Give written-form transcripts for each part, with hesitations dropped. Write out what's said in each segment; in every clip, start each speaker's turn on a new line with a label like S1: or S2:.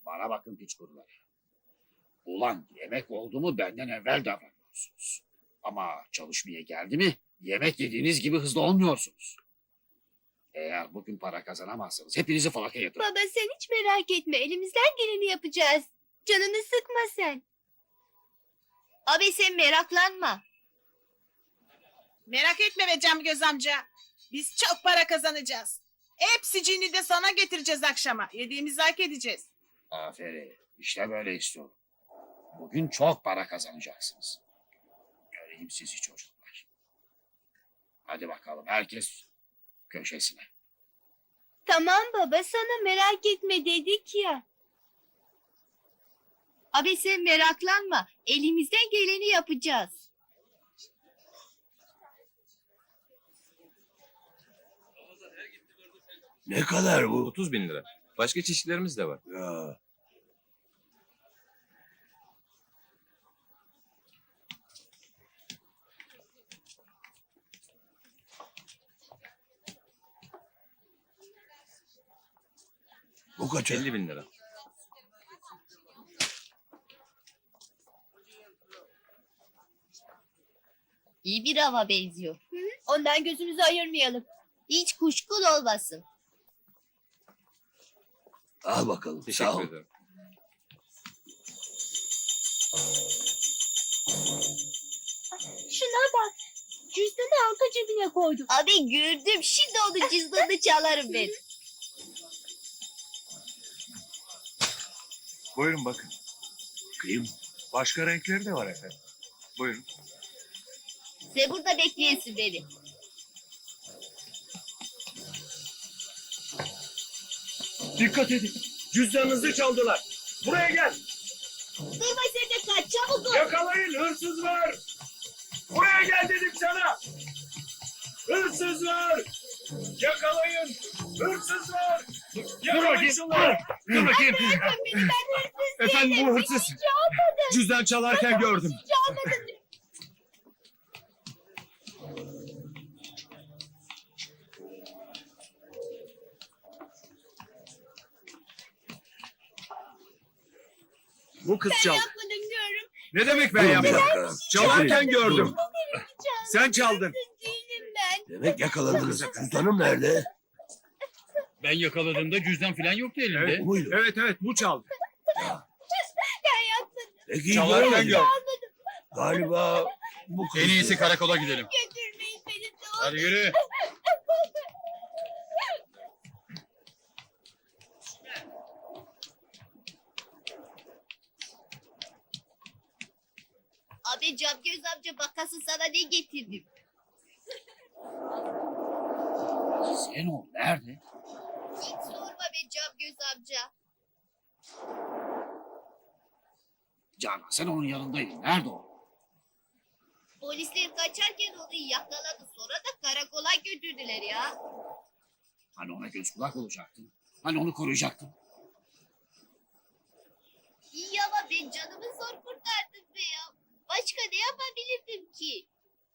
S1: Bana bakın piç kurular. Ulan yemek oldu mu benden evvel davranıyorsunuz. Ama çalışmaya geldi mi yemek yediğiniz gibi hızlı olmuyorsunuz. Eğer bugün para kazanamazsanız hepinizi falakaya yatırırım.
S2: Baba sen hiç merak etme. Elimizden geleni yapacağız. Canını sıkma sen. Abi sen meraklanma.
S3: Merak etme be Camgöz amca. Biz çok para kazanacağız. Hepsicini de sana getireceğiz akşama. Yediğimizi hak edeceğiz.
S1: Aferin. İşte böyle istiyorum. Bugün çok para kazanacaksınız. Göreyim sizi çocuklar. Hadi bakalım herkes köşesine.
S2: Tamam baba sana merak etme dedik ya. Abi sen meraklanma. Elimizden geleni yapacağız.
S4: Ne kadar bu?
S5: 30.000 lira. Başka çeşitlerimiz de var.
S4: Ya. Bu kaça?
S5: 50.000 lira.
S2: İyi bir hava benziyor. Ondan gözümüzü ayırmayalım. Hiç kuşkun olmasın.
S4: Al bakalım. Sağ
S5: Teşekkür
S4: ol.
S5: ederim.
S2: Şuna bak. Cüzdanı arka cebine koydum. Abi gördüm. Şimdi onun cüzdanını çalarım ben.
S6: Buyurun bakın.
S4: Bakayım.
S6: Başka renkleri de var efendim. Buyurun.
S2: Sen burada bekleyesin beni.
S6: Dikkat edin. Cüzdanınızı çaldılar. Buraya gel.
S2: Durma sen de kaç. Çabuk ol.
S6: Yakalayın, hırsız var. Buraya gel dedim sana. Hırsız var. Yakalayın. Hırsız var. Yakalayın şunları.
S7: Dur bakayım.
S2: Bırakın beni ben hırsız
S7: Efendim bu hırsız. Cüzdan çalarken gördüm.
S2: çalmadım.
S7: Bu kız
S2: Ben
S7: çaldı.
S2: yapmadım diyorum.
S7: Ne demek ben
S4: Dur bir
S7: yaptım?
S4: dakika.
S7: Çalarken gördüm.
S2: Çalmadım.
S7: Sen çaldın.
S2: Değilim ben.
S4: Demek yakaladınız. Cüzdanım nerede?
S8: Ben yakaladığımda cüzdan falan yoktu elimde.
S7: Evet.
S4: Bu muydu?
S7: Evet bu çaldı.
S2: Ben yapmadım.
S4: Peki
S7: Çalarken
S4: görmedim.
S7: gördüm.
S4: Galiba bu kız.
S8: En iyisi karakola gidelim.
S2: Götürmeyin beni de.
S8: Hadi yürü.
S2: Abi Camgöz amca bakasın sana ne getirdim.
S1: Zeyno nerede?
S2: Hiç sorma be Camgöz amca.
S1: Canan sen onun yanındaydın. Nerede o?
S2: Polisler kaçarken onu yakaladı. Sonra da karakola götürdüler ya.
S1: Hani ona göz kulak olacaktın. Hani onu koruyacaktın.
S2: İyi ama ben canımı zor kurtardım be ya. Başka ne yapabilirdim ki?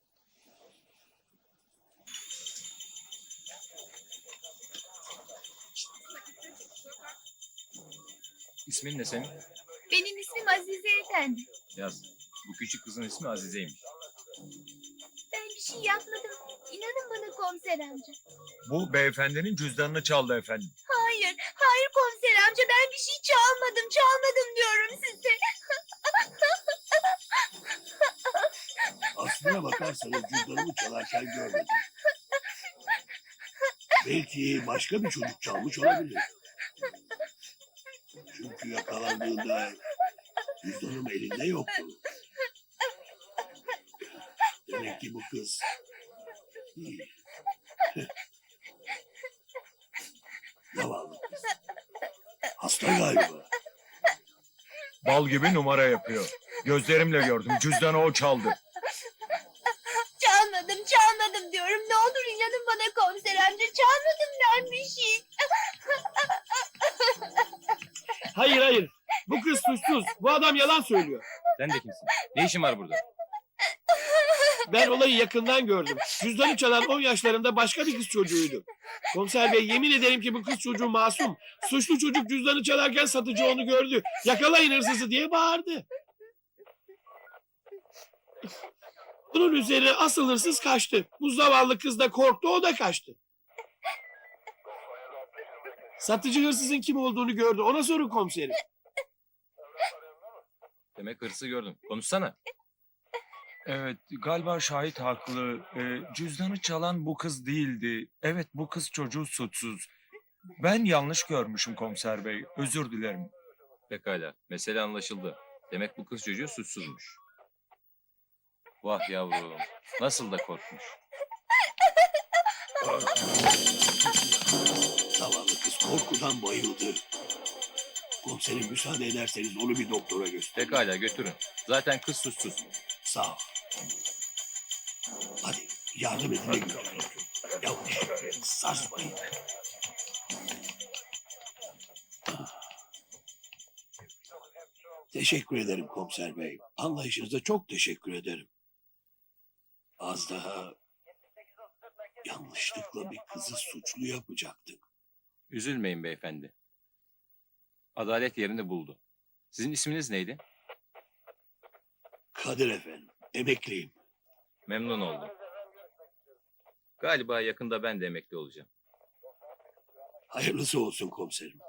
S5: İsmin ne senin?
S2: Benim ismim Azize Efendi.
S5: Yaz. Bu küçük kızın ismi Azize'ymiş.
S2: Ben bir şey yapmadım. İnanın bana komiser amca.
S6: Bu beyefendinin cüzdanını çaldı efendim.
S2: Hayır, hayır komiser amca ben bir şey çalmadım. Çalmadım diyorum size.
S4: Aslına bakarsanız cüzdanımı çalarken görmedim. Belki başka bir çocuk çalmış olabilir. Çünkü yakalandığında cüzdanım elinde yoktu. Demek ki bu kız iyi. Zavallı kız. Hasta galiba.
S6: Bal gibi numara yapıyor. Gözlerimle gördüm. Cüzdanı o çaldı.
S2: Çalmadım diyorum. Ne olur inanın bana komiser amca. Çalmadım ben bir şey.
S7: Hayır. Bu kız suçsuz. Bu adam yalan söylüyor.
S5: Sen de kimsin? Ne işin var burada?
S7: Ben olayı yakından gördüm. Cüzdanı çalan 10 yaşlarında başka bir kız çocuğuydu. Komiser bey yemin ederim ki bu kız çocuğu masum. Suçlu çocuk cüzdanı çalarken satıcı onu gördü. Yakalayın hırsızı diye bağırdı. Bunun üzerine asıl hırsız kaçtı. Bu zavallı kız da korktu, o da kaçtı. Satıcı hırsızın kim olduğunu gördü. Ona sorun komiserim.
S5: Demek hırsı gördüm. Konuşsana.
S6: Evet, galiba şahit haklı. Cüzdanı çalan bu kız değildi. Evet, bu kız çocuğu suçsuz. Ben yanlış görmüşüm komiser bey. Özür dilerim.
S5: Pekala. Mesele anlaşıldı. Demek bu kız çocuğu suçsuzmuş. Vah yavrum. Nasıl da korkmuş.
S4: Zavallı kız korkudan bayıldı. Komiserim müsaade ederseniz onu bir doktora göstereyim.
S5: Pekala götürün. Zaten kız suçsuz.
S4: Sağ ol. Hadi yardım edin de götürün. Yavaş sarsmayın. Teşekkür ederim komiser bey. Anlayışınıza çok teşekkür ederim. Az daha yanlışlıkla bir kızı suçlu yapacaktık.
S5: Üzülmeyin beyefendi. Adalet yerini buldu. Sizin isminiz neydi?
S4: Kadir efendim, emekliyim.
S5: Memnun oldum. Galiba yakında ben de emekli olacağım.
S4: Hayırlısı olsun komiserim.